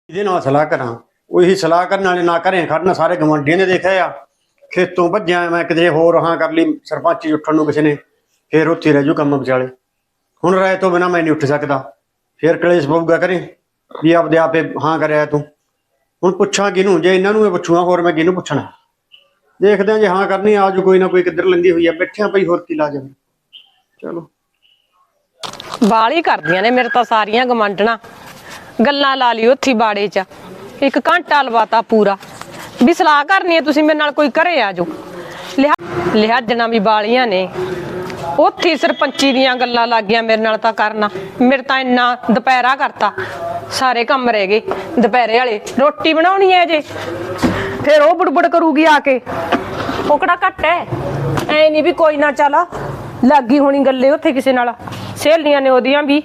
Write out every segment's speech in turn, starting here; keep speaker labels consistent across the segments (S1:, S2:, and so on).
S1: ਇਹਦੇ ਨਾਲ ਸਲਾਹ ਕਰਾਂ। ਉਹੀ ਸਲਾਹ ਕਰਨ ਵਾਲੇ ਨਾ ਘਰੇ ਖੜਨਾ, ਸਾਰੇ ਗਵਾਂਢੀਆਂ ਨੇ ਦੇਖਿਆ ਆ। ਖੇਤੋਂ ਭੱਜਿਆ ਮੈਂ ਕਿਤੇ ਹੋਰ ਹਾਂ ਕਰ ਲਈ ਸਰਪੰਚੀ ਉੱਠਣ ਨੂੰ ਕਿਸੇ ਨੇ, ਫਿਰ ਉੱਥੇ ਰਹਿ ਜੂ ਕੰਮ ਵਿਚਾਲੇ। ਹੁਣ ਰਾਏ ਤੋਂ ਬਿਨਾਂ ਮੈਂ ਨਹੀਂ ਉੱਠ ਸਕਦਾ, ਫਿਰ ਕਲੇਸ਼ ਪਊਗਾ ਘਰੇ ਵੀ ਆਪਦੇ ਆਪੇ ਹਾਂ ਕਰਿਆ ਤੂੰ। ਹੁਣ ਪੁੱਛਾਂ ਕਿਹਨੂੰ? ਜੇ ਇਹਨਾਂ ਨੂੰ ਮੈਂ ਪੁੱਛੂਗਾ ਹੋਰ ਮੈਂ ਕਿਹਨੂੰ ਪੁੱਛਣਾ? ਦੇਖਦੇ ਹਾਂ ਜੇ ਹਾਂ ਕਰਨੀ ਆਜੂ ਕੋਈ ਨਾ ਕੋਈ ਕਿੱਧਰ ਲੰਗੀ ਹੋਈ ਆ, ਬੈਠਿਆਂ ਪਈ ਹੋਰ ਕੀ ਲਾਜਮ। ਚਲੋ
S2: ਬਾਲੀ ਕਰਦੀਆਂ ਨੇ ਮੇਰੇ ਤਾਂ ਸਾਰੀਆਂ ਗਵਾਂਢਣਾ। ਗੱਲਾਂ ਲਾ ਲਈ ਉੱਥੇ ਬਾੜੇ 'ਚ, ਇੱਕ ਘੰਟਾ ਲਵਾਤਾ ਪੂਰਾ ਵੀ ਸਲਾਹ ਕਰਨੀ ਹੈ ਤੁਸੀਂ ਮੇਰੇ ਨਾਲ, ਕੋਈ ਘਰੇ ਆ ਜਾਓ। ਲਿਹਾਜਣਾ ਵੀ ਬਾਲੀਆਂ ਨੇ ਉੱਥੇ ਸਰਪੰਚੀ ਦੀਆਂ ਗੱਲਾਂ ਲੱਗ ਗਈਆਂ ਮੇਰੇ ਨਾਲ ਤਾਂ ਕਰਨਾ। ਮੇਰੇ ਤਾਂ ਇੰਨਾ ਦੁਪਹਿਰਾ ਕਰਤਾ, ਸਾਰੇ ਕੰਮ ਰਹਿ ਗਏ ਦੁਪਹਿਰੇ ਵਾਲੇ। ਰੋਟੀ ਬਣਾਉਣੀ ਹੈ ਜੇ, ਫਿਰ ਉਹ ਬੁੜਬੁੜ ਕਰੂਗੀ ਆ ਕੇ। ਉਹ ਕਿਹੜਾ ਘੱਟ ਹੈ, ਐ ਨਹੀਂ ਵੀ ਕੋਈ ਨਾ ਚੱਲ ਲੱਗੀ ਹੋਣੀ ਗੱਲੇ ਉੱਥੇ ਕਿਸੇ ਨਾਲ, ਸਹੇਲੀਆਂ ਨੇ ਉਹਦੀਆਂ ਵੀ।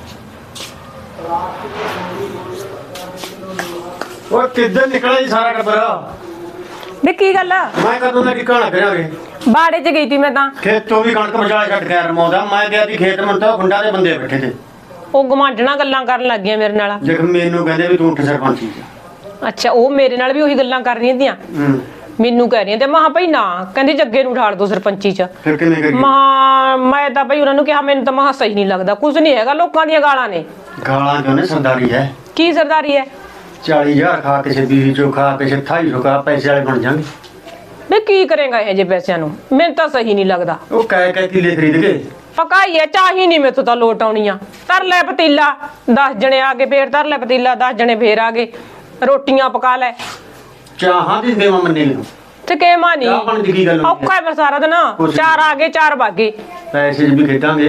S1: ਉਹ ਕਿੱਧਰ ਨਿਕਲਿਆ ਜੀ ਸਾਰਾ ਟੱਬਰ?
S2: ਵੀ ਕੀ ਗੱਲ ਆ?
S1: ਮੈਂ ਕਦੋਂ ਦਾ ਟਿਕਾਣਾ ਕਰਾਂਗੇ?
S2: ਬਾੜੇ 'ਚ ਗਈ ਤੀ ਮੈਂ ਤਾਂ।
S1: ਖੇਤੋਂ ਵੀ ਕਣਕ ਵਿਚਾਲੇ ਛੱਡ ਕੇ ਰਮਾਉਂਦਾ ਮੈਂ ਗਿਆ ਸੀ ਖੇਤ। ਮਨ ਤਾਂ ਗੁੰਡਾ ਦੇ ਬੰਦੇ ਬੈਠੇ ਤੇ
S2: ਉਹ ਗਵਾਂਢਣਾ ਗੱਲਾਂ ਕਰਨ ਲੱਗ ਗਈਆਂ ਮੇਰੇ ਨਾਲ।
S1: ਦੇਖ ਮੈਨੂੰ ਕਹਿੰਦੇ ਵੀ ਤੂੰ ਉੱਠ ਸਰਪੰਚੀ ਚ।
S2: ਅੱਛਾ, ਉਹ ਮੇਰੇ ਨਾਲ ਵੀ ਉਹੀ ਗੱਲਾਂ ਕਰ ਰਹੀਆਂ ਤੀਆਂ। ਮੈਨੂੰ ਕਹਿ ਰਹੀਆਂ ਤੇ ਮਹਾ ਭਾਈ ਨਾ, ਕਹਿੰਦੀ ਜੱਗੇ ਨੂੰ ਉਠਾੜ ਦੋ ਸਰਪੰਚੀ ਚ।
S1: ਫਿਰ ਕਿਵੇਂ ਕਰੀਏ?
S2: ਮੈਂ ਤਾਂ ਭਾਈ ਉਹਨਾਂ ਨੂੰ ਕਿਹਾ ਮੈਨੂੰ ਤਾਂ ਮਹਾ ਸਹੀ ਨਹੀਂ ਲੱਗਦਾ, ਕੁਝ ਨਹੀਂ ਹੈਗਾ, ਲੋਕਾਂ ਦੀਆਂ ਗਾਲਾਂ ਨੇ।
S1: ਗਾਲਾਂ ਕਿਉਂ ਨੇ? ਸਰਦਾਰੀ ਹੈ।
S2: ਕੀ ਸਰਦਾਰੀ ਹੈ?
S1: 40,000 ਖਾ ਕਿਸੇ 20 ਚੋਂ ਖਾ ਕਿਸੇ 28 ਖਾ, ਪੈਸੇ ਵਾਲੇ ਬਣ ਜਾਣਗੇ।
S2: ਵੀ ਕੀ ਕਰੇਗਾ ਇਹ ਜੇ ਪੈਸਿਆਂ ਨੂੰ? ਮੈਨੂੰ ਤਾਂ ਸਹੀ ਨਹੀਂ ਲੱਗਦਾ।
S1: ਉਹ ਕਹਿ ਕਿਲੇ ਖਰੀਦ ਕੇ
S2: ਪਕਾਈ ਹੈ ਚਾਹੀ ਨਹੀਂ ਮੈਥੋਂ ਤਾਂ ਲੋਟ ਆਉਣੀਆਂ। ਧਰ ਲੈ ਪਤੀਲਾ, 10 ਜਣੇ ਆ ਗਏ, ਫੇਰ ਧਰ ਲੈ ਪਤੀਲਾ, 10 ਜਣੇ ਫੇਰ ਆ ਗਏ, ਰੋਟੀਆਂ ਪਕਾ ਲੈ।
S1: ਚਾਹਾਂ ਦੀ ਦੇਵਾਂ ਮੰਨੇ ਨੂੰ
S2: ਤੇ ਕੇ ਮਾਨੀ
S1: ਚਾਹ ਪਾਣੀ ਦੀ ਕੀ ਗੱਲ?
S2: ਔਖਾ ਹੈ ਫਿਰ ਸਾਰਾ ਦਿਨ। 4 ਆ ਗਏ 4 ਬਾਗੇ,
S1: ਪੈਸੇ ਵੀ ਖੇਡਾਂਗੇ।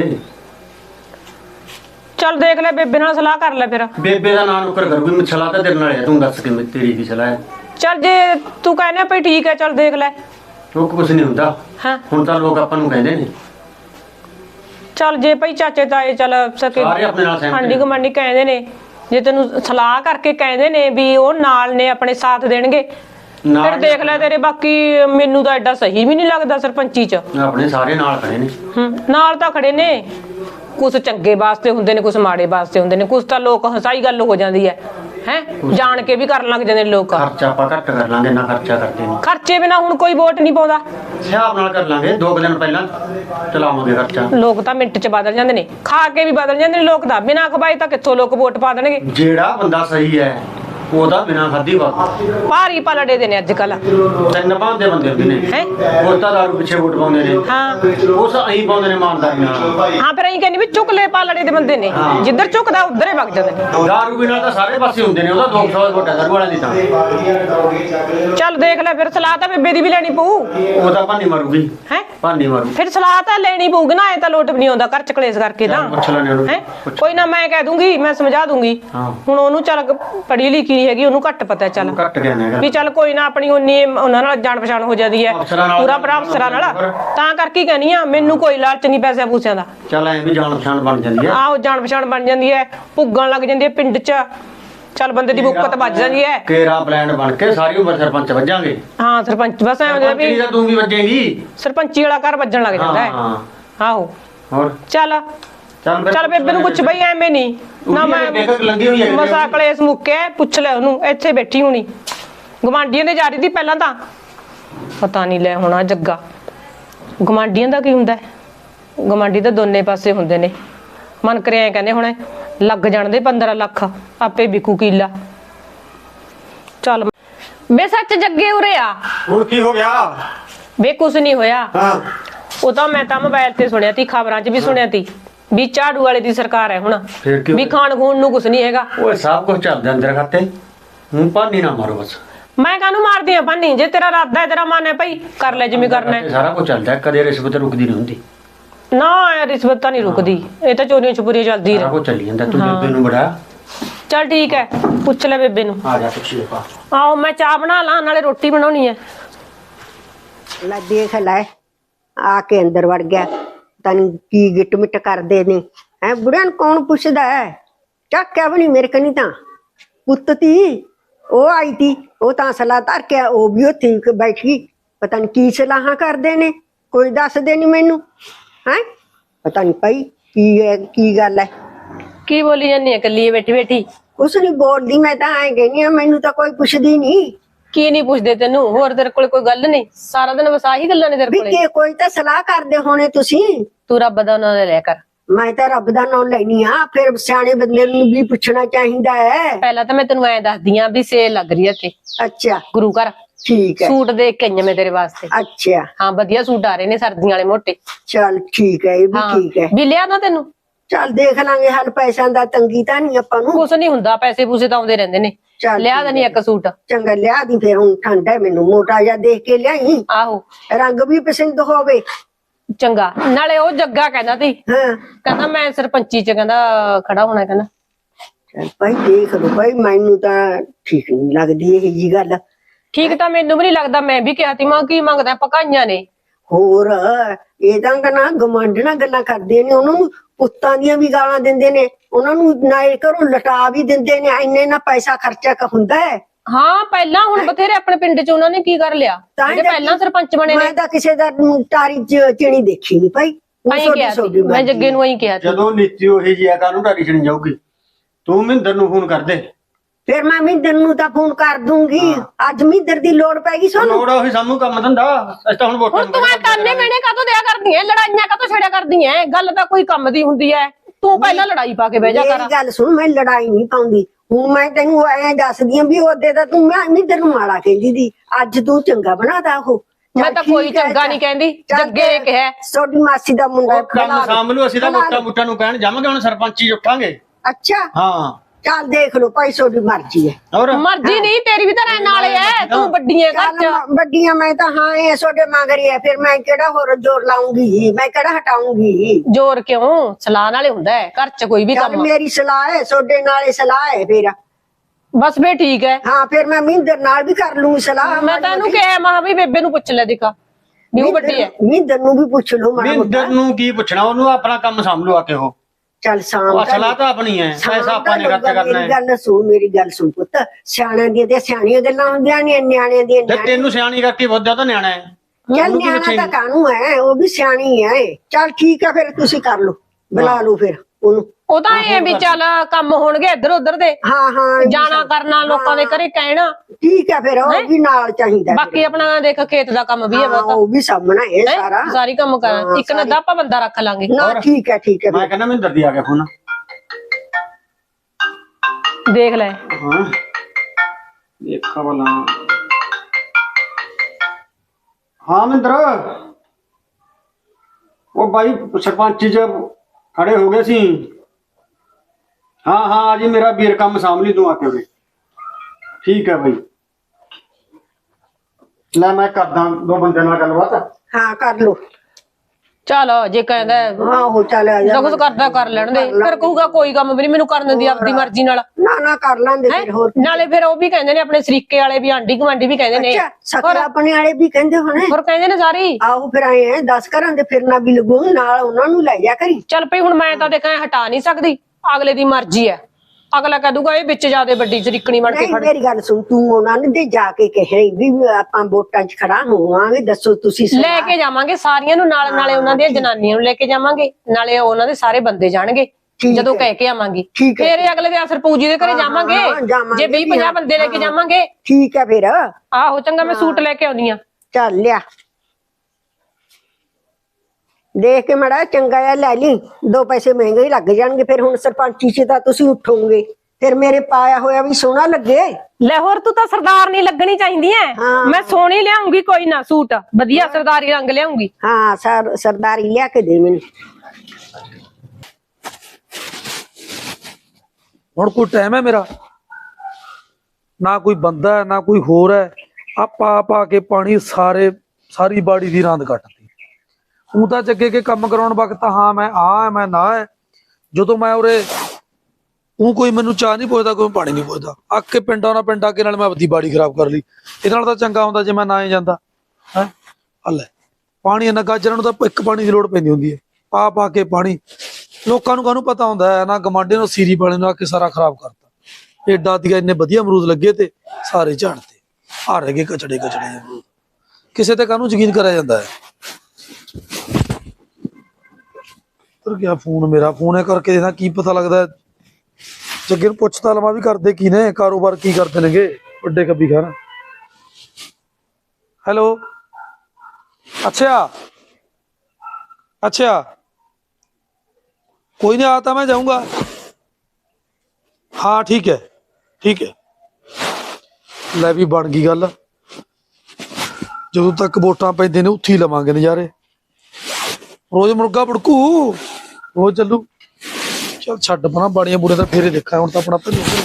S2: ਚੱਲ ਦੇਖ ਲੈ ਬੇਬੇ ਨਾਲ ਸਲਾਹ ਕਰ ਲੈ ਫਿਰ।
S1: ਬੇਬੇ ਦਾ ਨਾਂ ਨੁੱਕਰ ਕਰੂਗੀ, ਮੈਂ ਸਲਾਹ ਤਾਂ ਤੇਰੇ ਨਾਲ ਹੈ। ਤੂੰ ਦੱਸ ਕਿਵੇਂ ਤੇਰੀ ਕੀ ਸਲਾਹ ਹੈ?
S2: ਚੱਲ ਜੇ ਤੂੰ ਕਹਿੰਦਾ ਭਈ ਠੀਕ ਹੈ, ਚੱਲ ਦੇਖ ਲੈ।
S1: ਉਹ ਕੁਝ ਨਹੀਂ ਹੁੰਦਾ।
S2: ਹਾਂ
S1: ਹੁਣ ਤਾਂ ਲੋਕ ਆਪਾਂ ਨੂੰ ਕਹਿੰਦੇ ਨੇ।
S2: ਚੱਲ ਜੇ ਭਈ ਚਾਚੇ ਤਾਏ ਚੱਲ ਸਕੇ,
S1: ਸਾਰੇ ਆਪਣੇ ਨਾਲ ਸਹਿਮਤ
S2: ਆਂਢੀ ਗੁਆਂਢੀ ਕਹਿੰਦੇ ਨੇ, ਜੇ ਤੈਨੂੰ ਸਲਾਹ ਕਰਕੇ ਕਹਿੰਦੇ ਨੇ ਵੀ ਉਹ ਨਾਲ ਨੇ ਆਪਣੇ ਸਾਥ ਦੇਣਗੇ, ਫਿਰ ਦੇਖ ਲੈ ਤੇਰੇ। ਬਾਕੀ ਮੈਨੂੰ ਤਾਂ ਐਡਾ ਸਹੀ ਵੀ ਨਹੀਂ ਲੱਗਦਾ ਸਰਪੰਚੀ ਚ।
S1: ਆਪਣੇ ਸਾਰੇ ਨਾਲ ਖੜੇ ਨੇ।
S2: ਨਾਲ ਤਾਂ ਖੜੇ ਨੇ, ਕੁਛ ਚੰਗੇ ਵਾਸਤੇ ਹੁੰਦੇ ਨੇ, ਕੁਛ ਮਾੜੇ ਵਾਸਤੇ ਹੁੰਦੇ ਨੇ, ਕੁਛ ਤਾਂ ਲੋਕ ਹਸਾਈ ਗੱਲ ਹੋ ਜਾਂਦੀ ਹੈ ਜਾਣ ਕੇ ਵੀ ਕਰਨ ਲੱਗ ਜਾਂਦੇ ਨੇ ਲੋਕ।
S1: ਖਰਚਾ ਆਪਾਂ ਘੱਟ ਕਰ ਲਾਂਗੇ, ਨਾ ਖਰਚਾ ਕਰਦੇ ਨੇ।
S2: ਖਰਚੇ ਬਿਨਾ ਹੁਣ ਕੋਈ ਵੋਟ ਨਹੀਂ ਪਾਉਂਦਾ।
S1: ਹਿਸਾਬ ਨਾਲ ਕਰ ਲਾਂਗੇ, 2 ਦਿਨ ਪਹਿਲਾਂ ਚਲਾਵਾਂਗੇ ਖਰਚਾ।
S2: ਲੋਕ ਤਾਂ ਮਿੰਟ ਚ ਬਦਲ ਜਾਂਦੇ ਨੇ, ਖਾ ਕੇ ਵੀ ਬਦਲ ਜਾਂਦੇ ਨੇ ਲੋਕ ਤਾਂ। ਬਿਨਾਂ ਖਵਾਏ ਤਾਂ ਕਿੱਥੋਂ ਲੋਕ ਵੋਟ ਪਾ ਦੇਣਗੇ?
S1: ਜਿਹੜਾ ਬੰਦਾ ਸਹੀ ਹੈ ਉਹਦਾ ਬਿਨਾਂ ਖਾਧੀ ਬਾਤ।
S2: ਭਾਰੀ ਪਲੜੇ ਦੇ ਨੇ ਅੱਜ ਕੱਲ।
S1: 3 ਭਾਂਦੇ ਬੰਦੇ ਹੁੰਦੇ ਨੇ, ਉਹ ਤਾਂ ਦਾਰੂ ਪਿੱਛੇ ਵੋਟ ਪਾਉਂਦੇ ਨੇ।
S2: ਹਾਂ
S1: ਉਹ ਸਹੀ ਪਾਉਂਦੇ ਨੇ ਇਮਾਨਦਾਰੀ ਨਾਲ।
S2: ਹਾਂ ਫਿਰ ਅਸੀਂ ਕਹਿੰਦੇ ਵੀ ਚੁਕਲੇ ਪਲੜੇ ਦੇ ਬੰਦੇ ਨੇ, ਜਿੱਧਰ ਝੁਕਦਾ ਉਧਰ ਹੀ ਵਗ ਜਾਂਦੇ ਨੇ।
S1: ਦਾਰੂ ਵੀ ਨਾਲ ਤਾਂ ਸਾਰੇ ਪਾਸੇ ਹੁੰਦੇ ਨੇ। ਉਹਦਾ 200 ਵੋਟ ਹੈ ਦਾਰੂ ਵਾਲਿਆਂ ਦੀ ਤਾਂ।
S2: ਚੱਲ ਦੇਖ ਲੈ ਫਿਰ, ਸਲਾਹ ਤਾਂ ਬੇਬੇ ਦੀ ਵੀ ਲੈਣੀ ਪਊ।
S1: ਉਹ ਤਾਂ ਭਾਨੀ ਮਾਰੂਗੀ। ਭਾਨੀ ਮਾਰੂ।
S2: ਫਿਰ ਸਲਾਹ ਤਾਂ ਲੈਣੀ ਪਊਗੀ ਨਾ, ਇਹ ਤਾਂ ਲੋਟ ਵੀ ਨਹੀਂ ਆਉਂਦਾ ਘਰ ਚ ਕਲੇਸ਼ ਕਰਕੇ ਤਾਂ।
S1: ਪੁੱਛ ਲੈਣੇ ਉਹਨੂੰ।
S2: ਕੋਈ ਨਾ ਮੈਂ ਕਹਿ ਦੂੰਗੀ, ਮੈਂ ਸਮਝਾ ਦੂੰਗੀ। ਹੁਣ ਉਹਨੂੰ ਚੱਲ ਪੜ੍ਹੀ ਲਿਖੀ ਨਹੀਂ ਹੈਗੀ, ਉਹਨੂੰ ਘੱਟ ਪਤਾ। ਚੱਲ
S1: ਘੱਟ ਗਿਆ ਨਾ
S2: ਵੀ ਚੱਲ ਕੋਈ ਨਾ, ਆਪਣੀ ਉਨੀ ਉਹਨਾਂ ਨਾਲ ਜਾਣ ਪਛਾਣ ਹੋ ਜਾਂਦੀ ਹੈ ਪੂਰਾ ਭਰਾ ਅਫਸਰਾਂ ਨਾਲ। ਤਾਂ ਕਰਕੇ ਕਹਿੰਦੀ ਆ, ਮੈਨੂੰ ਕੋਈ ਲਾਲਚ ਨਹੀਂ ਪੈਸਿਆਂ ਪੂਸਿਆਂ ਦਾ।
S1: ਚੱਲ ਐ ਵੀ ਜਾਣ ਪਛਾਣ ਬਣ ਜਾਂਦੀ ਹੈ।
S2: ਆਹੋ ਜਾਣ ਪਛਾਣ ਬਣ ਜਾਂਦੀ ਹੈ, ਪੁੱਗਣ ਲੱਗ ਜਾਂਦੀ ਹੈ ਪਿੰਡ ਚ। ਚੱਲ ਬੰਦੇ ਦੀ ਬੁੱਕਤ ਵੱਜ ਜਾਂਦੀ ਹੈ।
S1: ਕੇਰਾ ਪਲਾਨ ਬਣ ਕੇ ਸਾਰੀ ਉਮਰ ਸਰਪੰਚ ਵੱਜਾਂਗੇ।
S2: ਹਾਂ ਸਰਪੰਚ ਬਸ ਐ ਹੁੰਦਾ ਵੀ
S1: ਤੂੰ ਵੀ ਵੱਜੇਂਗੀ,
S2: ਸਰਪੰਚੀ ਵਾਲਾ ਘਰ ਵੱਜਣ ਲੱਗ ਜਾਂਦਾ ਹੈ। ਆਹੋ
S1: ਹੋਰ
S2: ਚੱਲ ਚੱਲ ਬੇਬੇ ਨੂੰ ਪੁੱਛ ਬਈ, ਐਵੇਂ ਨਹੀਂ ਨਾ। ਮੈਂ ਮਸਾ ਕਲੇਸ਼ ਮੁੱਕਿਆ, ਪੁੱਛ ਲੈ ਉਹਨੂੰ, ਇੱਥੇ ਬੈਠੀ ਹੋਣੀ। ਗਵਾਂਢੀਆਂ ਦੇ ਜਾ ਰਹੀ ਸੀ ਪਹਿਲਾਂ ਤਾਂ, ਪਤਾ ਨਹੀਂ ਲੈ ਹੋਣਾ ਜੱਗਾ। ਗਵਾਂਢੀਆਂ ਦਾ ਕੀ ਹੁੰਦਾ? ਗਵਾਂਢੀ ਤਾਂ ਦੋਨੇ ਪਾਸੇ ਹੁੰਦੇ ਨੇ। ਮਨ ਕਰਿਆ ਐ ਕਹਿੰਦੇ ਹੁਣ ਲੱਗ ਜਾਣਦੇ 15 ਲੱਖ, ਆਪੇ ਵਿਕੂ ਕੀਲਾ। ਚੱਲ ਬੇ ਸੱਚ ਜੱਗੇ ਉਰੇ ਆ।
S1: ਹੁਣ ਕੀ ਹੋ ਗਿਆ?
S2: ਬੇ ਕੁਛ ਨਹੀਂ ਹੋਇਆ। ਉਹ ਤਾਂ ਮੈਂ ਤਾਂ ਮੋਬਾਈਲ ਤੇ ਸੁਣਿਆ ਤੀ, ਖਬਰਾਂ 'ਚ ਵੀ ਸੁਣਿਆ ਤੀ ਵੀ ਝਾੜੂ ਵਾਲੇ ਦੀ ਸਰਕਾਰ ਹੈ ਹੁਣ, ਵੀ ਖਾਣ ਖੂਣ ਨੂੰ ਕੁਛ ਨਹੀਂ ਹੈਗਾ।
S1: ਓਏ ਸਭ ਕੁਝ ਚੱਲਦਾ ਅੰਦਰ ਖਾਤੇ। ਹੁਣ ਭਾਨੀ ਨਾ ਮਾਰੋ ਬਸ।
S2: ਮੈਂ ਕਾਹਨੂੰ ਮਾਰਦੀ ਆ ਭਾਨੀ? ਜੇ ਤੇਰਾ ਇਰਾਦਾ ਹੈ, ਤੇਰਾ ਮਨ ਹੈ ਭਾਈ, ਕਰ ਲੈ ਜਿਵੇਂ ਕਰਨਾ ਹੈ।
S1: ਸਾਰਾ ਕੁਝ ਚੱਲਦਾ, ਕਦੇ ਰਿਸ਼ਵਤ ਰੁਕਦੀ ਨਹੀਂ ਹੁੰਦੀ
S2: ਨਾ। ਰਿਸ਼ਵਤ ਤਾਂ ਨਹੀਂ ਰੁਕਦੀ, ਇਹ ਤਾਂ ਚੋਰੀਆਂ ਛੁਪਰੀਆਂ ਚੱਲਦੀ
S1: ਸਾਰਾ ਕੁਝ ਚੱਲੀ ਜਾਂਦਾ। ਤੂੰ ਬੇਬੇ ਨੂੰ ਬੜਾ।
S2: ਚੱਲ ਠੀਕ ਹੈ, ਪੁੱਛ ਲੈ ਬੇਬੇ ਨੂੰ।
S1: ਆ ਜਾ ਪੁੱਛੀਏ ਪਾ।
S2: ਆਓ ਮੈਂ ਚਾਹ ਬਣਾ ਲਾਂ, ਨਾਲੇ ਰੋਟੀ ਬਣਾਉਣੀ ਹੈ।
S3: ਲੈ ਦੇਖ ਲੈ, ਆ ਕੇ ਅੰਦਰ ਵੜ ਗਿਆ। ਤੈਨੂੰ ਕੀ ਗਿੱਟ ਮਿੱਟ ਕਰਦੇ ਨੇ ਹੈ? ਬੁੜਿਆਂ ਨੂੰ ਕੌਣ ਪੁੱਛਦਾ ਹੈ? ਚੱਕਿਆ ਵੀ ਨਹੀਂ ਮੇਰੇ ਕਨੀ ਤਾਂ। ਪੁੱਤ ਤੀ ਉਹ ਆਈ ਤੀ, ਉਹ ਤਾਂ ਸਲਾਹ ਧਰ ਕੇ ਉਹ ਵੀ ਉੱਥੇ ਬੈਠ ਗਈ। ਪਤਾ ਨਹੀਂ ਕੀ ਸਲਾਹਾਂ ਕਰਦੇ ਨੇ, ਕੋਈ ਦੱਸਦੇ ਨਹੀਂ ਮੈਨੂੰ। ਹੈ ਪਤਾ ਨਹੀਂ ਭਾਈ ਕੀ ਹੈ, ਕੀ ਗੱਲ ਹੈ?
S2: ਕੀ ਬੋਲੀ ਜਾਂਦੀ ਹੈ ਕੱਲੀ ਬੈਠੀ ਬੈਠੀ?
S3: ਕੁਛ ਨਹੀਂ ਬੋਲਦੀ, ਮੈਂ ਤਾਂ ਐ ਕਹਿੰਦੀ ਆ ਮੈਨੂੰ ਤਾਂ ਕੋਈ ਪੁੱਛਦੀ ਨਹੀਂ
S2: ਕੀ ਨਹੀਂ ਪੁੱਛਦੇ ਤੈਨੂੰ? ਹੋਰ ਤੇਰੇ ਕੋਲ ਕੋਈ ਗੱਲ ਨਹੀਂ? ਸਾਰਾ ਦਿਨ ਬਸ ਆਹੀ ਗੱਲਾਂ ਨੇ ਤੇਰੇ
S3: ਵੀ
S2: ਕੋਲੇ।
S3: ਕਿ ਕੋਈ ਤਾਂ ਸਲਾਹ ਕਰਦੇ ਹੋਣੇ ਤੁਸੀਂ।
S2: ਤੂੰ ਰੱਬ ਦਾ ਨਾਂ ਲੈ ਕਰ।
S3: ਮੈਂ ਤਾਂ ਰੱਬ ਦਾ ਨਾਮ ਲੈਣੀ ਆ, ਫਿਰ ਸਿਆਣੇ ਬੰਦੇ ਨੂੰ ਵੀ ਪੁੱਛਣਾ ਚਾਹੀਦਾ ਹੈ।
S2: ਪਹਿਲਾਂ ਤਾਂ ਮੈਂ ਤੈਨੂੰ ਐਂ ਦੱਸਦੀ ਆਂ ਵੀ ਸੇਲ ਲੱਗ ਰਹੀ ਹੈ ਇੱਥੇ
S3: ਅੱਛਾ
S2: ਗੁਰੂ ਘਰ।
S3: ਠੀਕ ਹੈ।
S2: ਸੂਟ ਦੇਖ ਕੇ ਆਈ ਆਂ ਮੈਂ ਤੇਰੇ ਵਾਸਤੇ।
S3: ਅੱਛਾ
S2: ਹਾਂ ਵਧੀਆ ਸੂਟ ਆ ਰਹੇ ਨੇ ਸਰਦੀਆਂ ਵਾਲੇ ਮੋਟੇ।
S3: ਚਲ ਠੀਕ ਹੈ, ਇਹ ਵੀ
S2: ਹਾਂ
S3: ਠੀਕ ਹੈ।
S2: ਵੀ ਲਿਆ ਨਾ ਤੈਨੂੰ?
S3: ਚਲ ਦੇਖ ਲਾਂਗੇ, ਹਲ ਪੈਸਿਆਂ ਦਾ ਤੰਗੀ ਤਾਂ ਨਹੀਂ ਆਪਾਂ ਨੂੰ।
S2: ਕੁਛ ਨਹੀਂ ਹੁੰਦਾ, ਪੈਸੇ ਪੂਸੇ ਤਾਂ ਆਉਂਦੇ ਰਹਿੰਦੇ ਨੇ।
S3: ਚੱਲ
S2: ਲਿਆ ਤਾਂ ਨਹੀਂ ਇੱਕ ਸੂਟ।
S3: ਚੰਗਾ ਲਿਆ ਦੀ, ਫਿਰ ਹੁਣ ਠੰਡ ਹੈ, ਮੈਨੂੰ ਮੋਟਾ ਜਿਹਾ ਦੇਖ ਕੇ ਲਿਆਈ,
S2: ਆਹੋ
S3: ਰੰਗ ਵੀ ਪਸੰਦ ਹੋਵੇ।
S2: ਚੰਗਾ। ਨਾਲੇ ਉਹ ਜੱਗਾ ਕਹਿੰਦਾ ਤੀ,
S3: ਹਾਂ
S2: ਕਹਿੰਦਾ ਮੈਂ ਸਰਪੰਚੀ ਚ ਕਹਿੰਦਾ ਖੜਾ ਹੋਣਾ ਕਹਿੰਦਾ।
S3: ਚਲ ਭਾਈ ਦੇਖ ਲਓ ਭਾਈ, ਮੈਨੂੰ ਤਾਂ ਠੀਕ ਨਹੀਂ ਲੱਗਦੀ ਇਹ ਜੀ ਗੱਲ।
S2: ਠੀਕ ਤਾਂ ਮੈਨੂੰ ਵੀ ਨਹੀਂ ਲੱਗਦਾ। ਮੈਂ ਵੀ ਕਿਹਾ ਤੀ ਮਾਂ ਕੀ ਮੰਗਦਾ, ਪਕਾਈਆਂ ਨੇ।
S3: ਹੋਰ ਇਹ ਤਾਂ ਨਾ ਗਮਾਂਡਣਾ ਗੱਲਾਂ ਕਰਦੇ ਨੇ, ਉਹਨਾਂ ਨੂੰ ਪੁੱਤਾਂ ਦੀਆਂ ਵੀ ਗਾਲਾਂ ਦਿੰਦੇ ਨੇ, ਉਹਨਾਂ ਨੂੰ ਨਾਲੇ ਘਰੋਂ ਲਟਾ ਵੀ ਦਿੰਦੇ ਨੇ। ਇੰਨੇ ਨਾ ਪੈਸਾ ਖਰਚਾ ਹੁੰਦਾ ਹੈ।
S2: ਹਾਂ ਪਹਿਲਾਂ ਹੁਣ ਬਥੇਰੇ ਆਪਣੇ ਪਿੰਡ ਚ ਉਹਨਾਂ ਨੇ ਕੀ ਕਰ ਲਿਆ
S3: ਤਾਂ ਹੀ
S2: ਜਿਹੜੇ ਪਹਿਲਾਂ ਸਰਪੰਚ ਬਣੇ ਨੇ।
S3: ਮੈਂ ਤਾਂ ਕਿਸੇ ਦਾ ਟਾਰੀ ਚਿਣੀ ਦੇਖੀ ਨਹੀਂ ਭਾਈ। ਉਹ
S2: ਐਂ
S3: ਛੋਟੀ
S2: ਕਿਹਾ
S3: ਛੋਟੀ
S2: ਸੀ ਮੈਂ
S3: ਮਰਜ਼ੀ।
S2: ਜੱਗੇ ਨੂੰ ਐਂ ਕਿਹਾ ਸੀ।
S1: ਜਦੋਂ ਨੀਤੀ ਉਹੀ ਜੀ ਆ ਕਾਹਨੂੰ ਢਾਰੀ ਛਣੀ ਜਾਊਗੀ? ਤੂੰ ਮਹਿੰਦਰ ਨੂੰ ਫੋਨ ਕਰ ਦੇ।
S3: ਫਿਰ ਮੈਂ ਮਿੰਦਰ ਨੂੰ ਤਾਂ ਫੋਨ ਕਰ ਦੂੰਗੀ। ਅੱਜ ਮਿੰਦਰ ਦੀ ਲੋੜ ਪੈਗੀ ਸਾਨੂੰ।
S1: ਲੋੜ ਆ ਉਹੀ ਸਾਨੂੰ ਕੰਮ ਧੰਦਾ। ਅਸੀਂ ਤਾਂ ਹੁਣ ਵੋਟਾਂ
S2: ਹੁਣ ਤੂੰ ਐ ਕਰਨੇ ਮੈਨੇ ਕਾਹਤੋਂ ਦਿਆ ਕਰਦੀਆਂ, ਲੜਾਈਆਂ ਕਾਹਤੋਂ ਛੜਿਆ ਕਰਦੀਆਂ? ਗੱਲ ਤਾਂ ਕੋਈ ਕੰਮ ਦੀ ਹੁੰਦੀ ਐ। ਤੂੰ ਪਹਿਲਾਂ ਲੜਾਈ ਪਾ ਕੇ ਬਹਿ ਜਾ ਕਰ।
S3: ਮੇਰੀ ਗੱਲ ਸੁਣ, ਮੈਂ ਲੜਾਈ ਨਹੀਂ ਪਾਉਂਦੀ। ਹੁਣ ਮੈਂ ਤੈਨੂੰ ਐਂ ਦੱਸਦੀ ਆਂ ਵੀ ਉਹਦੇ ਤਾਂ ਤੂੰ ਮੈਂ ਮਿੰਦਰ ਨੂੰ ਮਾੜਾ ਕਹਿੰਦੀ ਦੀ, ਅੱਜ ਤੂੰ ਚੰਗਾ ਬਣਾਦਾ ਉਹ।
S2: ਮੈਂ ਤਾਂ ਕੋਈ ਚੰਗਾ ਨਹੀਂ ਕਹਿੰਦੀ, ਜੱਗੇ ਨੇ ਕਿਹਾ।
S3: ਛੋਟੀ ਮਾਸੀ ਦਾ ਮੁੰਡਾ
S1: ਕੰਮ ਸਾਂਭ ਲੂ। ਅਸੀਂ ਤਾਂ ਵੋਟਾਂ ਵੋਟਾਂ ਨੂੰ ਕਹਿਣ ਜਾਵਾਂਗੇ, ਹੁਣ ਸਰਪੰਚੀ ਉੱਠਾਂਗੇ।
S3: ਅੱਛਾ
S1: ਹਾਂ
S3: ਚੱਲ ਦੇਖ ਲਓ ਭਾਈ, ਤੁਹਾਡੀ ਮਰਜ਼ੀ ਹੈ।
S1: ਹੋਰ
S2: ਮਰਜ਼ੀ ਨਹੀਂ ਤੇਰੀ ਵੀ ਤਾਂ ਰਹਿਣ ਵਾਲੇ ਐ। ਤੂੰ ਵੱਡੀ ਐ ਘਰ ਚ।
S3: ਚੱਲ ਵੱਡੀਆਂ ਮੈਂ ਤਾਂ ਹਾਂ ਇਹ ਤੁਹਾਡੇ ਮਗਰੀ ਹੈ, ਫਿਰ ਮੈਂ ਕਿਹੜਾ ਹੋਰ ਜ਼ੋਰ ਲਾਉਂਗੀ, ਮੈਂ ਕਿਹੜਾ ਹਟਾਉਂਗੀ।
S2: ਜ਼ੋਰ ਕਿਉਂ? ਸਲਾਹ ਨਾਲੇ ਹੁੰਦਾ ਹੈ ਘਰ ਚ ਕੋਈ ਵੀ
S3: ਚੱਲ
S2: ਕੰਮ।
S3: ਮੇਰੀ ਸਲਾਹ ਹੈ, ਤੁਹਾਡੇ ਨਾਲੇ ਸਲਾਹ ਹੈ ਫਿਰ।
S2: ਬਸ ਫੇਰ ਠੀਕ ਹੈ।
S3: ਹਾਂ ਫਿਰ ਮੈਂ ਮਿੰਦਰ ਨਾਲ ਵੀ ਕਰ ਲੂੰਗੀ ਸਲਾਹ।
S2: ਮੈਂ ਤਾਂ ਇਹਨੂੰ ਕਿਹਾ ਮਹਾ ਵੀ ਬੇਬੇ ਨੂੰ ਪੁੱਛ ਲੈ ਦੇਖਾ ਵੀ ਉਹ ਵੱਡੀ ਐ।
S3: ਮਿੰਦਰ ਨੂੰ ਵੀ ਪੁੱਛ ਲਓ ਮਾੜਾ ਮੋਟਾ।
S1: ਮਹਿੰਦਰ ਨੂੰ ਕੀ ਪੁੱਛਣਾ, ਉਹਨੂੰ ਆਪਣਾ ਕੰਮ ਸਾਂਭ ਲੂ ਆ ਕੇ ਉਹ।
S3: ਚੱਲ ਸ਼ਾਮ
S1: ਅਸਲਾ ਤਾਂ ਆਪਣੀ ਹੈ, ਪੈਸਾ ਆਪਾਂ ਨੇ ਖਰਚ ਕਰਨਾ
S3: ਮੇਰੀ
S1: ਹੈ।
S3: ਗੱਲ ਸੁਣ, ਮੇਰੀ ਗੱਲ ਸੁਣ ਪੁੱਤ, ਸਿਆਣਿਆਂ ਦੀਆਂ ਤੇ ਸਿਆਣੀਆਂ ਗੱਲਾਂ ਹੁੰਦੀਆਂ ਨੇ, ਨਿਆਣਿਆਂ ਦੀਆਂ
S1: ਤੇ ਤੈਨੂੰ ਸਿਆਣੀ ਕਰਕੇ ਬਹੁਤ ਜ਼ਿਆਦਾ ਨਿਆਣਾ ਹੈ।
S3: ਚੱਲ
S1: ਉਹਨੂੰ ਕੀ
S3: ਨਿਆਣਾ
S1: ਪੁੱਛੇਂਗੀ?
S3: ਤਾਂ ਕਾਹਨੂੰ ਹੈ, ਉਹ ਵੀ ਸਿਆਣੀ ਹੈ। ਚੱਲ ਠੀਕ ਹੈ ਫਿਰ ਤੁਸੀਂ ਕਰ ਲਓ, ਬੁਲਾ ਲਓ ਫਿਰ ਉਹਨੂੰ।
S2: ਉਹ ਤਾਂ ਐ ਵੀ ਚੱਲ ਕੰਮ ਹੋਣਗੇ ਇੱਧਰ ਉੱਧਰ ਦੇ,
S3: ਹਾਂ ਹਾਂ
S2: ਜਾਣਾ ਕਰਨਾ ਲੋਕਾਂ ਦੇ ਘਰੇ ਕਹਿਣਾ।
S3: ਠੀਕ ਹੈ ਫਿਰ, ਉਹ ਵੀ ਨਾਲ ਚਾਹੀਦਾ।
S2: ਬਾਕੀ ਆਪਣਾ ਦੇਖ ਖੇਤ ਦਾ ਕੰਮ ਵੀ ਹੈ
S3: ਹਾਂ,
S2: ਬਹੁਤ।
S3: ਉਹ ਵੀ ਸਾਹਮਣਾ ਹੈ ਸਾਰਾ।
S2: ਸਾਰੀ ਕੰਮ ਕਰ ਇੱਕ ਨੱਦਾ ਆਪਾਂ ਬੰਦਾ ਰੱਖ ਲਾਂਗੇ।
S3: ਨਾ ਠੀਕ ਹੈ ਠੀਕ ਹੈ
S1: ਮੈਂ ਕਹਿੰਦਾ ਮਹਿੰਦਰ ਦੀ ਆ ਗਿਆ ਫੋਨ।
S2: ਦੇਖ ਲੈ।
S1: ਹਾਂ ਦੇਖਾ ਬਲਾ। ਹਾਂ ਮਹਿੰਦਰ, ਉਹ ਭਾਈ ਸਰਪੰਚੀ ਚ ਖੜੇ ਹੋ ਗਏ ਸੀ। ਹਾਂ ਹਾਂ ਜੀ ਮੇਰਾ ਵੀਰ ਕੰਮ ਸਾਂਭ ਲਈ ਤੂੰ ਆ ਕੇ ਵੇ। ਠੀਕ ਹੈ ਭਾਈ, ਲੈ ਮੈਂ ਕਰਦਾ ਦੋ ਬੰਦਿਆਂ ਨਾਲ ਗੱਲਬਾਤ।
S3: ਹਾਂ ਕਰ ਲਓ।
S2: ਚਲ ਜੇ ਕਹਿੰਦਾ
S3: ਹਾਂ ਉਹ ਚੱਲ ਆ ਜਾ।
S2: ਕੁਝ ਕਰਦਾ ਕਰ ਲੈਣ ਦੇ, ਫਿਰ ਕਹੂਗਾ ਕੋਈ ਕੰਮ ਵੀ ਨਹੀਂ ਮੈਨੂੰ ਕਰਨ ਦਿੰਦੀ ਆਪਦੀ ਮਰਜ਼ੀ ਨਾਲ।
S3: ਨਾ ਨਾ ਕਰ ਲਾਂਦੇ ਫਿਰ। ਹੋਰ
S2: ਨਾਲੇ ਫਿਰ ਉਹ ਵੀ ਕਹਿੰਦੇ ਨੇ ਆਪਣੇ ਸਰੀਕੇ ਵਾਲੇ ਵੀ, ਆਂਢੀ ਗੁਆਂਢੀ ਵੀ ਕਹਿੰਦੇ ਨੇ।
S3: ਅੱਛਾ ਸਕੇ ਆਪਣੇ ਵਾਲੇ ਵੀ ਕਹਿੰਦੇ ਹੋਣੇ।
S2: ਹੋਰ ਕਹਿੰਦੇ ਨੇ ਸਾਰੀ।
S3: ਆਹੋ ਫਿਰ ਆਏ ਆ 10 ਘਰਾਂ ਦੇ ਫਿਰਨਾ ਵੀ ਲੱਗੂ, ਨਾਲ ਉਹਨਾਂ ਨੂੰ ਲੈ ਜਾ ਕਰੀ।
S2: ਚੱਲ ਭਈ ਹੁਣ ਮੈਂ ਤਾਂ ਦੇਖਾਂ ਹਟਾ ਨਹੀਂ ਸਕਦੀ, ਅਗਲੇ ਦੀ ਮਰਜ਼ੀ ਹੈ। ਅਗਲਾ ਕਹਿ ਦੂਗਾ ਇਹ ਵਿੱਚ ਜਿਆਦੇ ਵੱਡੀ ਸਰੀਕਣੀ ਬਣ ਕੇ
S3: ਨਹੀਂ
S2: ਖੜ।
S3: ਮੇਰੀ ਗੱਲ ਸੁਣ, ਤੂੰ ਉਹਨਾਂ ਨੂੰ ਦੇ ਜਾ ਕੇ ਕਹੇ ਵੀ ਆਪਾਂ ਵੋਟਾਂ 'ਚ ਖੜਾ ਹੋਵਾਂਗੇ, ਦੱਸੋ ਤੁਸੀਂ ਸਲਾਹ।
S2: ਲੈ ਕੇ ਜਾਵਾਂਗੇ ਸਾਰੀਆਂ ਨੂੰ ਨਾਲ, ਨਾਲੇ ਉਹਨਾਂ ਦੀਆਂ ਜਨਾਨੀਆਂ ਨੂੰ ਲੈ ਕੇ ਜਾਵਾਂਗੇ, ਨਾਲੇ ਉਹਨਾਂ ਦੇ ਸਾਰੇ ਬੰਦੇ ਜਾਣਗੇ ਜਦੋਂ ਕਹਿ ਕੇ ਆਵਾਂਗੇ।
S3: ਠੀਕ ਹੈ।
S2: ਫਿਰ ਅਗਲੇ ਦੇ ਅਸਰ ਪੂਜੀ ਦੇ ਘਰੇ ਜਾਵਾਂਗੇ, ਜੇ 20-50 ਬੰਦੇ ਲੈ ਕੇ ਜਾਵਾਂਗੇ।
S3: ਠੀਕ ਹੈ ਫਿਰ।
S2: ਆਹੋ ਚੰਗਾ, ਮੈਂ ਸੂਟ ਲੈ ਕੇ ਆਉਣੀ ਆ।
S3: ਚੱਲ ਲਿਆ ਦੇਖ ਕੇ ਮੜਾ ਚੰਗਾ ਜਿਹਾ ਲੈ ਲਈ, 2 ਪੈਸੇ ਮਹਿੰਗੇ ਹੀ ਲੱਗ ਜਾਣਗੇ। ਫਿਰ ਹੁਣ ਸਰਪੰਚੀ 'ਚ ਤਾਂ ਤੁਸੀਂ ਉੱਠੋਗੇ, ਫਿਰ ਮੇਰੇ ਪਾਇਆ ਹੋਇਆ ਵੀ ਸੋਹਣਾ ਲੱਗੇ।
S2: ਲੈ ਹੋਰ ਤੂੰ ਤਾਂ ਸਰਦਾਰ ਨਹੀਂ ਲੱਗਣੀ ਚਾਹੀਦੀ ਐ।
S3: ਹਾਂ।
S2: ਮੈਂ ਸੋਹਣੀ ਲਿਆਉਂਗੀ ਕੋਈ ਨਾ ਸੂਟ, ਵਧੀਆ ਸਰਦਾਰੀ ਰੰਗ ਲਿਆਉਂਗੀ।
S3: ਹਾਂ ਸਰਦਾਰੀ ਲਿਆ ਕੇ ਦੇ ਮੈਨੂੰ।
S4: ਹੁਣ ਕੋਈ ਟਾਈਮ ਹੈ ਮੇਰਾ, ਨਾ ਕੋਈ ਬੰਦਾ ਹੈ ਨਾ ਕੋਈ ਹੋਰ ਹੈ। ਆ ਪਾ ਕੇ ਪਾਣੀ ਸਾਰੀ ਬਾੜੀ ਦੀ ਰਾਂਦ ਕੱਟਦੀ। ਉਹ ਤਾਂ ਜੱਗੇ ਕੇ ਕੰਮ ਕਰਾਉਣ ਵਕਤ ਹਾਂ ਮੈਂ ਆ ਮੈਂ ਨਾ ਹੈ, ਜਦੋਂ ਮੈਂ ਉਰੇ ਉਹ ਕੋਈ ਮੈਨੂੰ ਚਾਹ ਨਹੀਂ ਪੁੱਛਦਾ, ਕੋਈ ਪਾਣੀ ਨਹੀਂ ਪੁੱਛਦਾ। ਅੱਕ ਕੇ ਪਿੰਡ ਆ ਕੇ ਨਾਲ ਮੈਂ ਆਪਦੀ ਬਾੜੀ ਖਰਾਬ ਕਰ ਲਈ। ਇਹਦੇ ਨਾਲ ਤਾਂ ਚੰਗਾ ਹੁੰਦਾ ਜੇ ਮੈਂ ਨਾ ਹੀ ਜਾਂਦਾ ਹੈ। ਆ ਲੈ ਪਾਣੀ, ਇਹਨਾਂ ਗਾਜਰਾਂ ਨੂੰ ਤਾਂ ਇੱਕ ਪਾਣੀ ਦੀ ਲੋੜ ਪੈਂਦੀ ਹੁੰਦੀ ਹੈ। ਪਾ ਕੇ ਪਾਣੀ ਲੋਕਾਂ ਨੂੰ ਕਾਹਨੂੰ ਪਤਾ ਹੁੰਦਾ ਹੈ, ਨਾ ਗਮਾਂਡੇ ਨੂੰ ਸੀਰੀ ਵਾਲੇ ਨੂੰ ਆ ਕੇ ਸਾਰਾ ਖਰਾਬ ਕਰਤਾ। ਏਡਾ ਦੀਆ ਇੰਨੇ ਵਧੀਆ ਅਮਰੂਦ ਲੱਗੇ ਤੇ ਸਾਰੇ ਝਾੜਤੇ, ਆ ਰਹਿ ਗਏ ਕਚੜੇ ਅਮਰੂਦ। ਕਿਸੇ ਤੇ ਕਾਹਨੂੰ ਯਕੀਨ ਕਰਿਆ ਜਾਂਦਾ ਹੈ। ਗਿਆ ਫੋਨ, ਮੇਰਾ ਫੋਨ ਹੈ ਕਰਕੇ ਇਹਦਾ ਕੀ ਪਤਾ ਲੱਗਦਾ। ਜੱਗੇ ਨੂੰ ਪੁੱਛ ਤਾਂ ਲਵਾਂ ਵੀ ਕਰਦੇ ਕੀ ਨੇ, ਕਾਰੋਬਾਰ ਕੀ ਕਰਦੇ ਨੇਗੇ ਵੱਡੇ ਕੱਬੀ ਖਾਨ। ਹੈਲੋ, ਅੱਛਾ ਅੱਛਾ, कोई नहीं आता, मैं जाऊंगा। हाँ ठीक है ठीक है। ਲੈ ਵੀ ਬਣ ਗਈ ਗੱਲ। ਜਦੋਂ ਤੱਕ ਵੋਟਾਂ ਪੈਂਦੇ ਨੇ ਉੱਥੇ ਹੀ ਲਵਾਂਗੇ ਨਜ਼ਾਰੇ। ਰੋਜ਼ ਮੁਰਗਾ ਬੜਕੂ ਰੋਜ਼ ਚੱਲੂ। ਚੱਲ ਛੱਡ ਪਰਾਂ, ਬਾੜੀਆਂ ਬੂੜੇ ਦਾ ਫੇਰੇ ਦੇਖਾਂ ਹੁਣ ਤਾਂ ਆਪਣਾ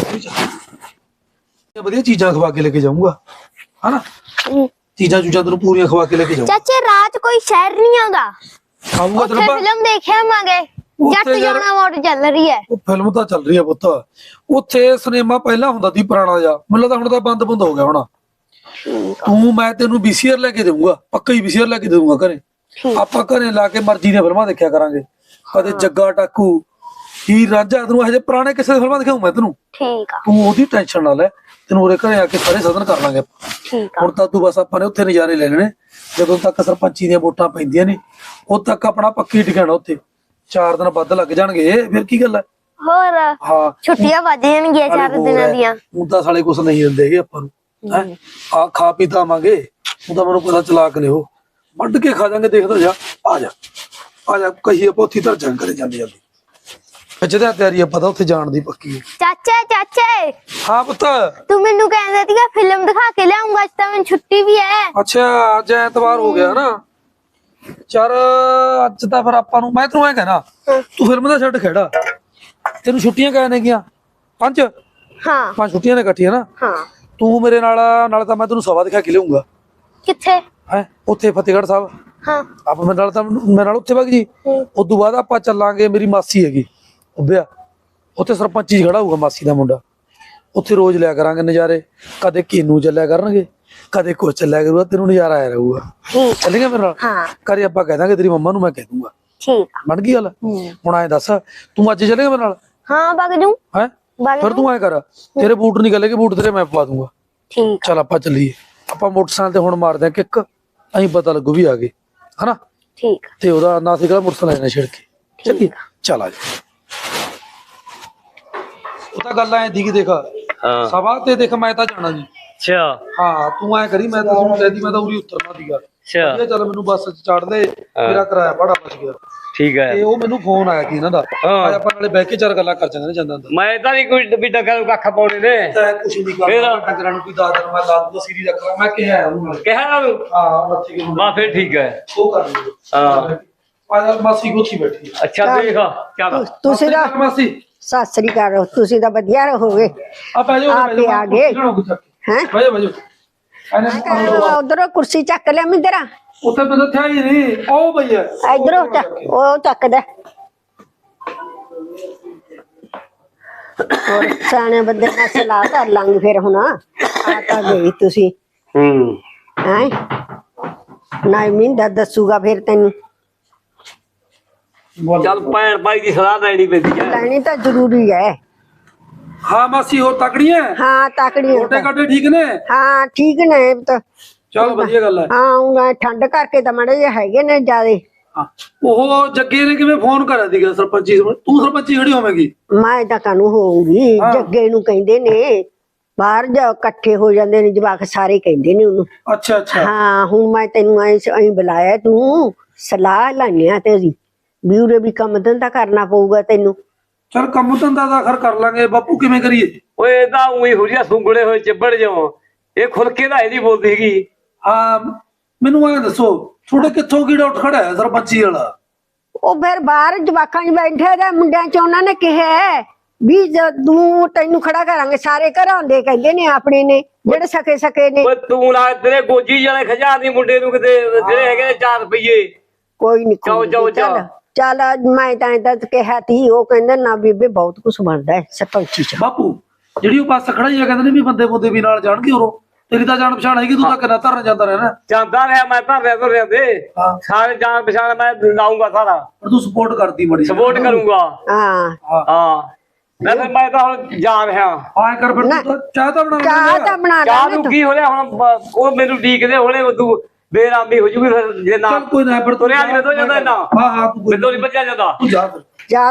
S4: ਵਧੀਆ ਚੀਜ਼ਾਂ ਖਵਾ ਕੇ ਲੈ ਕੇ ਜਾਊਂਗਾ, ਹਨਾ। ਚੀਜ਼ਾਂ ਚੂਜ਼ਾਂ ਤੈਨੂੰ ਪੂਰੀਆਂ ਖਵਾ ਕੇ ਲੈ ਕੇ ਜਾਊਂਗਾ।
S5: ਚਾਚੇ ਰਾਤ ਕੋਈ ਸ਼ਹਿਰ ਨਹੀਂ ਆਉਂਦਾ,
S4: ਆਊਂਗਾ
S5: ਉੱਥੇ ਫਿਲਮ ਦੇਖਿਆ ਆਵਾਂਗੇ। ਜੱਟ ਜਾਣਾ ਮੋੜ ਚੱਲ ਰਹੀ ਹੈ।
S4: ਉਹ ਫਿਲਮ ਤਾਂ ਚੱਲ ਰਹੀ ਹੈ ਪੁੱਤ। ਉੱਥੇ ਸਿਨੇਮਾ ਪਹਿਲਾਂ ਹੁੰਦਾ ਸੀ ਪੁਰਾਣਾ ਜਿਹਾ, ਮੈਨੂੰ ਲੱਗਦਾ ਹੁਣ ਤਾਂ ਬੰਦ ਹੋ ਗਿਆ ਹੋਣਾ। ਤੂੰ ਮੈਂ ਤੈਨੂੰ VCR ਲੈ ਕੇ ਦੇਊਂਗਾ, ਪੱਕਾ ਹੀ VCR ਲੈ ਕੇ ਦੇਊਂਗਾ ਘਰੇ। ਆਪਾਂ ਘਰੇ ਲਾ ਕੇ ਮਰਜ਼ੀ ਦੀਆਂ ਫਿਲਮਾਂ ਦੇਖਿਆ ਕਰਾਂਗੇ, ਕਦੇ ਜੱਗਾ ਟਾਕੂ, ਹੀਰ ਰਾਂਝਾ, ਤੈਨੂੰ ਹਜੇ ਪੁਰਾਣੇ ਕਿਸੇ ਫਿਲਮਾਂ ਦਿਖਾਊਂ ਮੈਂ ਤੈਨੂੰ।
S5: ਠੀਕ ਆ,
S4: ਤੂੰ ਉਹਦੀ ਟੈਨਸ਼ਨ ਨਾ ਲੈ, ਤੈਨੂੰ ਉਰੇ ਘਰੇ ਆ ਕੇ ਸਾਰੇ ਸਾਧਨ ਕਰ ਲਾਂਗੇ ਆਪਾਂ।
S5: ਠੀਕ ਆ।
S4: ਹੁਣ ਤਾਂ ਤੂੰ ਬਸ ਆਪਾਂ ਨੇ ਉੱਥੇ ਨਜ਼ਾਰੇ ਲੈਣੇ ਨੇ। ਜਦੋਂ ਤੱਕ ਸਰਪੰਚੀ ਦੀਆਂ ਵੋਟਾਂ ਪੈਂਦੀਆਂ ਨੇ ਉਦੋਂ ਤੱਕ ਆਪਣਾ ਪੱਕੀ ਟਿਕਾਣਾ ਉੱਥੇ। 4 ਦਿਨ ਵੱਧ ਲੱਗ ਜਾਣਗੇ, ਫਿਰ ਕੀ ਗੱਲ ਹੈ।
S5: ਹੋਰ
S4: ਹਾਂ,
S5: ਛੁੱਟੀਆਂ ਵੱਜ ਜਾਣਗੀਆਂ 4 ਦਿਨਾਂ ਦੀਆਂ।
S4: ਹੁਣ ਤਾਂ ਸਾਲੇ ਕੁਛ ਨਹੀਂ ਦਿੰਦੇ ਹੈਗੇ ਆਪਾਂ ਨੂੰ। ਹੈਂ ਆ ਖਾ ਪੀ ਤਾਂ ਆਵਾਂਗੇ, ਉਹ ਤਾਂ ਮੈਨੂੰ ਪਤਾ ਚਲਾਕ ਨੇ, ਉਹ ਵੱਢ ਕੇ ਖਾ ਜਾਾਂਗੇ। ਦੇਖਦਾ ਜਾ, ਆ ਜਾ ਆ ਜਾ, ਕਹੀਏ ਪੋਥੀ ਧਰ ਜੰਗ ਕਰੇ ਜਾਂਦੀ ਜਾਂਦੀ। ਜਿਹਦਾ ਤਿਆਰੀ ਆ ਪਤਾ ਉੱਥੇ ਜਾਣ ਦੀ ਪੱਕੀ ਹੈ।
S5: ਚਾਚੇ
S4: ਹਾਂ ਪੁੱਤ।
S5: ਤੂੰ ਮੈਨੂੰ ਕਹਿੰਦਾ ਸੀਗਾ ਫਿਲਮ ਦਿਖਾ ਕੇ ਲਿਆਉਂਗਾ, ਅੱਜ ਤਾਂ ਮੈਨੂੰ ਛੁੱਟੀ ਵੀ ਹੈ।
S4: ਅੱਛਾ, ਅੱਜ ਐਤਵਾਰ ਹੋ ਗਿਆ ਨਾ। ਚਲ ਅੱਜ ਤਾਂ ਫਿਰ ਆਪਾਂ ਨੂੰ, ਮੈਂ ਤੈਨੂੰ ਐ ਕਹਿਣਾ, ਤੂੰ ਫਿਲਮ ਦਾ ਛੱਡ ਖੇੜਾ। ਤੈਨੂੰ ਛੁੱਟੀਆਂ ਕਹਿ ਨੇ ਗਿਆ 5?
S5: ਹਾਂ
S4: 5 ਛੁੱਟੀਆਂ ਨੇ ਇਕੱਠੀਆਂ ਨਾ।
S5: ਹਾਂ।
S4: ਤੂੰ ਮੇਰੇ ਨਾਲ ਤਾਂ ਮੈਂ ਤੈਨੂੰ ਸਭਾ ਦਿਖਾ ਕੇ ਲਿਆਉਂਗਾ।
S5: ਕਿੱਥੇ?
S4: ਹੈ ਉੱਥੇ ਫਤਿਹਗੜ੍ਹ ਸਾਹਿਬ।
S5: ਹਾਂ।
S4: ਆਪਾਂ ਮੇਰੇ ਨਾਲ ਉੱਥੇ ਵਗ ਜੀ। ਉਦੋਂ ਬਾਅਦ ਆਪਾਂ ਚੱਲਾਂਗੇ, ਮੇਰੀ ਮਾਸੀ ਹੈਗੀ ਉੱਭਿਆ, ਉੱਥੇ ਸਰਪੰਚੀ ਖੜਾ ਹੋਊਗਾ ਮਾਸੀ ਦਾ ਮੁੰਡਾ। ਉੱਥੇ ਰੋਜ਼ ਲਿਆ ਕਰਾਂਗੇ ਨਜ਼ਾਰੇ। ਕਦੇ ਕੀਨੂ ਚੱਲਿਆ ਕਰਨਗੇ, ਕਦੇ ਕੁਛ ਚੱਲਿਆ ਕਰੂਗਾ, ਤੈਨੂੰ ਨਜ਼ਾਰਾ ਆਇਆ ਰਹੂਗਾ। ਚੱਲੇਗਾ ਮੇਰੇ ਨਾਲ?
S5: ਹਾਂ।
S4: ਘਰੇ ਆਪਾਂ ਕਹਿ ਦਾਂਗੇ, ਤੇਰੀ ਮੰਮਾ ਨੂੰ ਮੈਂ ਕਹਿ ਦੂੰਗਾ।
S5: ਠੀਕ ਆ।
S4: ਬਣ ਗਈ ਗੱਲ। ਹੁਣ ਐਂ ਦੱਸ, ਤੂੰ ਅੱਜ ਚੱਲੇਗਾ ਮੇਰੇ ਨਾਲ?
S5: ਹਾਂ ਵਗ ਜੂ।
S4: ਹੈ ਫਿਰ ਤੂੰ ਐਂ ਕਰ, ਤੇਰੇ ਬੂਟ ਨਹੀਂ ਗਲੇਗੇ, ਬੂਟ ਤੇਰੇ ਮੈਂ ਪਵਾ ਦੂੰਗਾ।
S5: ਠੀਕ।
S4: ਚੱਲ ਆਪਾਂ ਚੱਲੀਏ। ਆਪਾਂ ਮੋਟਰਸਾਈਕਲ ਤੇ ਹੁਣ ਮਾਰਦੇ ਆ ਕਿੱਕ, ਅਸੀਂ ਪਤਾ ਲੱਗੂ ਵੀ ਆ ਗਏ, ਹਨਾ।
S5: ਠੀਕ।
S4: ਤੇ ਉਹਦਾ ਨਾ ਸੀਗਾ ਮੋਟਰਸਾਈਕਲ ਲੈਣਾ ਛਿੜ ਕੇ। ਚੱਲੀਏ, ਚੱਲ ਆ ਜਾ। ਉਹ ਤਾਂ ਗੱਲ ਐ ਦੀ, ਦੇਖ ਸਭਾ ਤੇ ਦੇਖ ਮੈਂ ਤਾਂ ਜਾਣਾ ਜੀ।
S6: ਅੱਛਾ
S4: ਹਾਂ, ਤੂੰ ਐ ਕਰੀ, ਮੈਂ ਤਾਂ ਤੁਹਾਨੂੰ ਕਹਿਦੀ ਮੈਂ ਤਾਂ ਉਰੀ ਉਤਰਨਾ ਸੀਗਾ।
S6: ਅੱਛਾ
S4: ਚੱਲ ਮੈਨੂੰ ਬੱਸ ਚ ਚੜ ਦੇ, ਮੇਰਾ ਕਿਰਾਇਆ ਬੜਾ ਬਚ ਗਿਆ।
S6: ਠੀਕ ਹੈ।
S4: ਤੇ ਉਹ ਮੈਨੂੰ ਫੋਨ ਆਇਆ ਸੀ ਇਹਨਾਂ ਦਾ,
S6: ਹਾਂ।
S4: ਆਪਾਂ ਨਾਲੇ ਬਹਿ ਕੇ 4 ਗੱਲਾਂ ਕਰ ਜਾਂਦੇ ਨੇ ਜਾਂਦਾ ਹੁੰਦਾ।
S6: ਮੈਂ ਤਾਂ ਨਹੀਂ ਕੋਈ ਵੀ ਡੱਗਾ ਨੂੰ ਕੱਖ ਪਾਉਣੇ ਨੇ।
S4: ਤਾਂ ਕੁਛ ਨਹੀਂ ਕਰਦਾ, ਟੱਕਰਾਂ ਨੂੰ ਕੋਈ 10 ਦਿਨ ਮੈਂ ਲਾ ਦੂੰਗਾ, ਸੀਰੀ ਰੱਖ ਲਾਂ। ਮੈਂ ਕਿਹਾ ਉਹਨੂੰ ਨਾਲ,
S6: ਕਿਹਾ ਨਾ ਤੂੰ?
S4: ਹਾਂ ਮੱਥੀ ਕਿਉਂ
S6: ਬਾ ਫਿਰ ਠੀਕ ਹੈ।
S4: ਉਹ ਕਰ ਲਿਓ।
S6: ਹਾਂ।
S4: ਆ ਮਾਸੀ ਗੋਥੀ ਬੈਠੀ ਹੈ।
S6: ਅੱਛਾ ਦੇਖ ਚੱਲ।
S3: ਤੁਸੀਂ ਤਾਂ
S4: ਮਾਸੀ
S3: ਸਤਿ ਸ੍ਰੀ ਅਕਾਲ, ਤੁਸੀਂ ਤਾਂ ਵਧੀਆ ਰਹੋਗੇ।
S4: ਆ ਬਹਿ ਜਾਓ,
S3: ਆਪੇ ਆ ਗਏ।
S4: ਹੈਂ ਬਹਿ ਜਾਓ
S3: ਉਧਰੋਂ ਕੁਰਸੀ ਚੱਕ ਲਿਆ ਮਿੰਦਰਾ,
S4: ਉੱਥੇ ਬੰਦਾ ਥਿਆ ਹੀ ਨਹੀਂ। ਉਹ ਭਈਆ
S3: ਇਧਰੋਂ ਉਹ ਚੱਕਦਾ। ਹੋਰ ਸਿਆਣੇ ਬੰਦੇ ਨਾਲ ਸਲਾਹ ਕਰ ਲਾਂਗੇ ਫਿਰ। ਹੁਣ ਆ ਤਾਂ ਗਈ ਤੁਸੀਂ, ਹੈ ਨਾ ਮਿੰਦਾ ਦੱਸੂਗਾ ਫਿਰ ਤੈਨੂੰ।
S6: ਚੱਲ ਭੈਣ ਭਾਈ ਦੀ ਸਲਾਹ ਲੈਣੀ ਪੈਂਦੀ ਹੈ।
S3: ਲੈਣੀ ਤਾਂ ਜ਼ਰੂਰੀ ਹੈ।
S4: ਹਾਂ ਮਾਸੀ, ਹੋਰ ਤਕੜੀ ਹੈ?
S3: ਹਾਂ ਤਕੜੀ
S4: ਛੋਟੇ ਕਾਟੇ ਠੀਕ ਨੇ?
S3: ਹਾਂ ਠੀਕ ਨੇ ਤਾਂ।
S4: ਚਲ ਵਧੀਆ ਗੱਲ ਹੈ।
S3: ਹਾਂ ਉਂਗਾ ਠੰਡ ਕਰਕੇ ਤਾਂ ਮੜੇ ਜਿਹੇ ਹੈਗੇ ਨੇ ਜਿਆਦੇ।
S4: ਹਾਂ, ਉਹ ਜੱਗੇ ਨੇ ਕਿਵੇਂ ਫੋਨ ਕਰਿਆ ਸੀਗਾ ਸਰਪੰਚੀ? ਤੂੰ ਸਰਪੰਚੀ ਖੜੀ ਹੋਵੇਂਗੀ?
S3: ਮੈਂ ਤਾਂ ਕਾਨੂੰ ਹੋਊਂਗੀ, ਜੱਗੇ ਨੂੰ ਕਹਿੰਦੇ ਨੇ। ਬਾਹਰ ਜਾ ਇਕੱਠੇ ਹੋ ਜਾਂਦੇ ਨੇ ਜਵਾਕ ਸਾਰੇ, ਕਹਿੰਦੇ ਨੇ ਉਹਨੂੰ।
S4: ਅੱਛਾ ਅੱਛਾ।
S3: ਹਾਂ ਹੁਣ ਮੈਂ ਤੈਨੂੰ ਐਂ ਬੁਲਾਇਆ, ਤੂੰ ਸਲਾਹ ਲਾਈਆਂ ਤੇਰੀ ਵੀ ਉਰੇ ਵੀ ਕੰਮ ਧੰਦਾ ਕਰਨਾ ਪਊਗਾ ਤੈਨੂੰ।
S4: ਚਲ ਕੰਮ ਧੰਦਾ ਦਾ ਖਰ ਕਰ ਲਾਂਗੇ, ਬਾਪੂ ਕਿਵੇਂ ਕਰੀਏ?
S6: ਓਏ ਇਹ ਤਾਂ ਉਹੀ ਹੁਰੀਆ ਸੁੰਗੜੇ ਹੋਏ ਚੱਬੜ ਜਾਓ। ਇਹ ਖੁੱਲ ਕੇ ਤਾਂ ਇਹਦੀ ਬੋਲਦੀ ਹੈਗੀ।
S4: ਹਾਂ ਮੈਨੂੰ ਐ ਦੱਸੋ, ਤੁਹਾਡੇ ਕਿੱਥੋਂ ਕੀੜਾ ਉੱਠ ਖੜਾ ਹੈ ਸਰਪੰਚੀ ਵਾਲਾ?
S3: ਉਹ ਫਿਰ ਬਾਹਰ ਜਵਾਕਾਂ 'ਚ ਬੈਠੇ ਦੇ ਮੁੰਡਿਆਂ 'ਚ ਉਹਨਾਂ ਨੇ ਕਿਹਾ ਵੀ ਤੂੰ ਤੈਨੂੰ ਖੜਾ ਕਰਾਂਗੇ। ਸਾਰੇ ਘਰਾਂ ਦੇ ਕਹਿੰਦੇ ਨੇ, ਆਪਣੇ ਨੇ ਜਿਹੜੇ ਸਕੇ ਨੇ।
S6: ਓਏ ਤੂੰ ਨਾ ਤੇਰੇ ਗੋਜੀ ਵਾਲੇ ਖਜਾ ਦੀ ਮੁੰਡੇ ਨੂੰ ਕਿਤੇ, ਜਿਹੜੇ ਹੈਗੇ ਨੇ 4 ਰੁਪਏ।
S3: ਕੋਈ ਨੀ
S6: ਜਾਓ
S3: ਚੱਲ ਮੈਂ ਤਾਂ ਕਿਹਾ ਤੀ, ਉਹ ਕਹਿੰਦਾ ਨਾ ਬੀਬੇ ਬਹੁਤ ਕੁਛ ਬਣਦਾ ਹੈ ਸਰਪੰਚੀ 'ਚ।
S4: ਬਾਪੂ ਜਿਹੜੀ ਉਹ ਬੱਸ ਖੜਾਈ ਆ, ਕਹਿੰਦੇ ਨੇ ਵੀ ਬੰਦੇ ਬੁੰਦੇ ਵੀ ਨਾਲ ਜਾਣਗੇ। ਉਰੋਂ ਤੇਰੀ ਤਾਂ ਜਾਣ ਪਛਾਣ ਹੈਗੀ, ਤੂੰ ਤਾਂ ਕਿੰਨਾ ਧਰਨ ਜਾਂਦਾ ਰਹਿਣਾ।
S6: ਜਾਂਦਾ ਰਿਹਾ ਮੈਂ ਤਾਂ ਤੁਰਿਆ ਦੇ ਸਾਰੇ ਜਾਣ ਪਛਾਣ ਮੈਂ ਲਾਉਂਗਾ ਸਾਰਾ।
S4: ਪਰ ਤੂੰ ਸਪੋਰਟ ਕਰਦੀ ਬੜੀ।
S6: ਸਪੋਰਟ ਕਰੂੰਗਾ।
S3: ਹਾਂ
S6: ਹਾਂ ਮੈਂ ਤਾਂ ਹੁਣ ਜਾ ਰਿਹਾ।
S4: ਆਏ ਕਰ ਫਿਰ, ਤੂੰ ਚਾਹ ਤਾਂ ਬਣਾ
S3: ਚਾਹ ਤਾਂ ਬਣਾ
S6: ਚਾਹ
S3: ਲੈ
S6: ਨੂੰ ਕੀ ਹੋ ਰਿਹਾ ਹੁਣ? ਉਹ ਮੈਨੂੰ ਡੀਕਦੇ ਹੋਣੇ, ਤੂੰ ਬੇਰਾਮੀ ਹੋ ਜੂਗੀ ਫਿਰ ਜੇ ਨਾ
S4: ਚੱਲ ਕੋਈ ਨਾ, ਪਰ
S6: ਤੁਰਿਆ ਨਹੀਂ ਤੋਂ ਜਾਂਦਾ ਨਾ।
S4: ਹਾਂ ਹਾਂ ਤੂੰ
S6: ਮੈਨੂੰ ਨਹੀਂ ਬੱਚਾ ਜਾਂਦਾ।
S4: ਤੂੰ ਜਾ ਫਿਰ।
S3: ਜਾ ਤੂੰ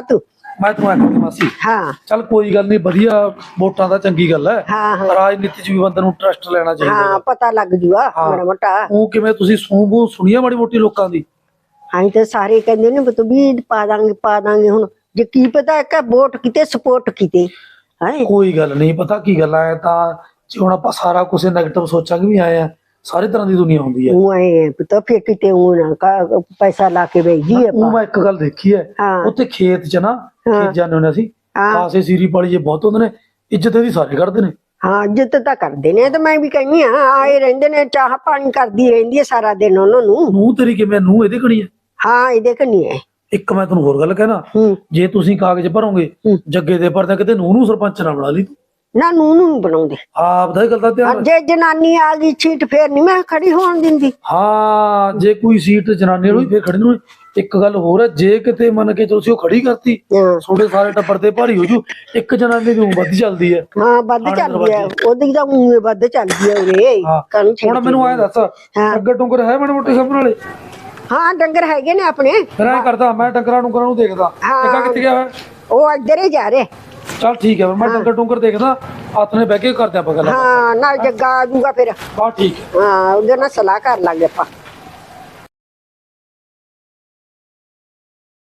S4: ਮੈਂ ਤੈਨੂੰ ਆਖਦੀ ਮਾਸੀ
S3: ਹਾਂ
S4: ਚੱਲ ਕੋਈ ਗੱਲ ਨਹੀਂ, ਵਧੀਆ ਵੋਟਾਂ ਦਾ ਚੰਗੀ ਗੱਲ ਹੈ।
S3: ਹਾਂ ਹਾਂ
S4: ਰਾਜਨੀਤੀ 'ਚ ਵੀ ਬੰਦੇ ਨੂੰ ਇੰਟਰਸਟ ਲੈਣਾ ਚਾਹੀਦਾ
S3: ਹਾਂ
S4: ਹੈ।
S3: ਪਤਾ ਲੱਗ ਜੂਗਾ
S4: ਹਾਂ।
S3: ਮਾੜਾ ਮੋਟਾ।
S4: ਉਹ ਕਿਵੇਂ ਤੁਸੀਂ ਸੂਬੂ ਸੁਣੀਆਂ ਮਾੜੀ ਮੋਟੀ ਲੋਕਾਂ ਦੀ?
S3: ਹਾਂ ਤੇ ਸਾਰੇ ਕਹਿੰਦੇ ਨੇ ਵੀ ਤੂੰ ਵੀ ਪਾ ਦਾਂਗੇ ਹੁਣ ਜੇ ਕੀ ਪਤਾ ਕਿ ਵੋਟ ਕਿਤੇ ਸਪੋਰਟ ਕਿਤੇ ਹੈ।
S4: ਕੋਈ ਗੱਲ ਨਹੀਂ, ਪਤਾ ਕੀ ਗੱਲ ਹੈ ਤਾਂ ਜੇ ਹੁਣ ਆਪਾਂ ਸਾਰਾ ਕੁਝ ਨੈਗੇਟਿਵ ਸੋਚਾਂਗੇ ਵੀ ਆਏ ਆ, ਸਾਰੇ ਤਰ੍ਹਾਂ ਦੀ ਦੁਨੀਆ ਹੁੰਦੀ ਹੈ।
S3: ਉਹ ਐ ਪਤਾ ਫਿਰ ਕਿਤੇ ਉਹ ਨਾ ਪੈਸਾ ਲਾ ਕੇ ਵੇਚੀ
S4: ਉਹ
S3: ਆਪਾਂ।
S4: ਮੈਂ ਇੱਕ ਗੱਲ ਦੇਖੀ ਹੈ,
S3: ਹਾਂ।
S4: ਉੱਥੇ ਖੇਤ 'ਚ ਨਾ ਖੇਤ ਜਾਂਦੇ ਹੁੰਦੇ ਅਸੀਂ,
S3: ਹਾਂ।
S4: ਖਾਸੇ ਸੀਰੀ ਪਾਲੀ ਜੇ ਬਹੁਤ ਹੁੰਦੇ ਨੇ, ਇੱਜ਼ਤ ਇਹਦੀ ਸਾਰੇ ਕਰਦੇ ਨੇ।
S3: ਹਾਂ ਇੱਜ਼ਤ ਤਾਂ ਕਰਦੇ ਨੇ ਤੇ ਮੈਂ ਵੀ ਕਹਿੰਦੀ ਆ ਆਏ ਰਹਿੰਦੇ ਨੇ, ਚਾਹ ਪਾਣੀ ਕਰਦੀ ਰਹਿੰਦੀ ਹੈ ਸਾਰਾ ਦਿਨ ਉਹਨਾਂ ਨੂੰ।
S4: ਨੂੰ ਤੇਰੀ ਕਿਵੇਂ ਨੂੰ ਇਹਦੇ ਕਣੀ ਹੈ।
S3: ਹਾਂ ਇਹਦੇ ਕਨੀ ਹੈ।
S4: ਇੱਕ ਮੈਂ ਤੁਹਾਨੂੰ ਹੋਰ ਗੱਲ ਕਹਿਣਾ,
S3: ਹੂੰ
S4: ਜੇ ਤੁਸੀਂ ਕਾਗਜ਼ ਭਰੋਗੇ ਜੱਗੇ ਦੇ ਭਰਦੇ ਕਿਤੇ ਨੂੰ ਸਰਪੰਚ ਨਾ ਬਣਾ ਲਈ ਤੂੰ।
S3: ਨਾ ਨੂੰ ਨੀ ਬਣਾਉਂਦੇ।
S4: ਆਪ ਦਾ ਇਹ ਗੱਲ ਦਾ ਧਿਆਨ ਰੱਖ।
S3: ਜੇ ਜਨਾਨੀ ਆ ਗਈ ਸੀਟ ਫੇਰ ਨਹੀਂ ਮੈਂ ਖੜੀ ਹੋਣ ਦਿੰਦੀ।
S4: ਹਾਂ ਜੇ ਕੋਈ ਸੀਟ ਜਨਾਨੀ ਨੂੰ ਫੇਰ ਖੜੀ ਨੂੰ। ਇੱਕ ਗੱਲ ਹੋਰ ਹੈ, ਜੇ ਕਿਤੇ ਮੰਨ ਕੇ ਤੁਸੀਂ ਉਹ ਖੜੀ ਕਰਤੀ,
S3: ਹਾਂ
S4: ਤੁਹਾਡੇ ਸਾਰੇ ਟੱਬਰ ਤੇ ਭਾਰੀ ਹੋ ਜੂ। ਇੱਕ ਜਨਾਨੀ ਦੀ ਵੱਧ ਚੱਲਦੀ ਹੈ।
S3: ਹਾਂ ਵੱਧ ਚੱਲਦੀ ਹੈ, ਉਹਦੀ ਤਾਂ ਮੂੰਹ ਵੱਧ ਚੱਲਦੀ ਹੈ ਉਰੇ
S4: ਹਾਂ।
S3: ਕਾਹਨੂੰ
S4: ਹੁਣ ਮੈਨੂੰ ਐ ਦੱਸ, ਡੰਗਰ ਡੁੰਗਰ ਹੈ ਮਾੜੇ ਮੋਟੇ ਸਾਹਮਣੇ ਵਾਲੇ?
S3: ਹਾਂ ਡੰਗਰ ਹੈਗੇ ਨੇ ਆਪਣੇ।
S4: ਫਿਰ ਐ ਕਰਦਾ ਮੈਂ ਡੰਗਰਾਂ ਡੁੰਗਰਾਂ ਨੂੰ ਦੇਖਦਾ। ਟਿੱਕਾ ਕਿੱਥੇ ਗਿਆ ਹੋਇਆ?
S3: ਉਹ ਇੱਧਰ ਹੀ ਜਾ ਰਹੇ।
S4: ਚੱਲ ਠੀਕ ਹੈ, ਮੈਂ ਡੰਗਰ ਡੁੰਗਰ ਦੇਖਦਾ, ਹੱਥ ਨੇ ਬਹਿ ਕੇ ਕਰਦੇ ਆਪਾਂ ਗੱਲ।
S3: ਹਾਂ ਨਾਲ ਜੱਗਾ ਆ ਜੂਗਾ ਫਿਰ।
S4: ਬਾ ਠੀਕ ਹੈ।
S3: ਹਾਂ ਉਹਦੇ ਨਾਲ ਸਲਾਹ ਕਰ ਲਾਂਗੇ ਆਪਾਂ।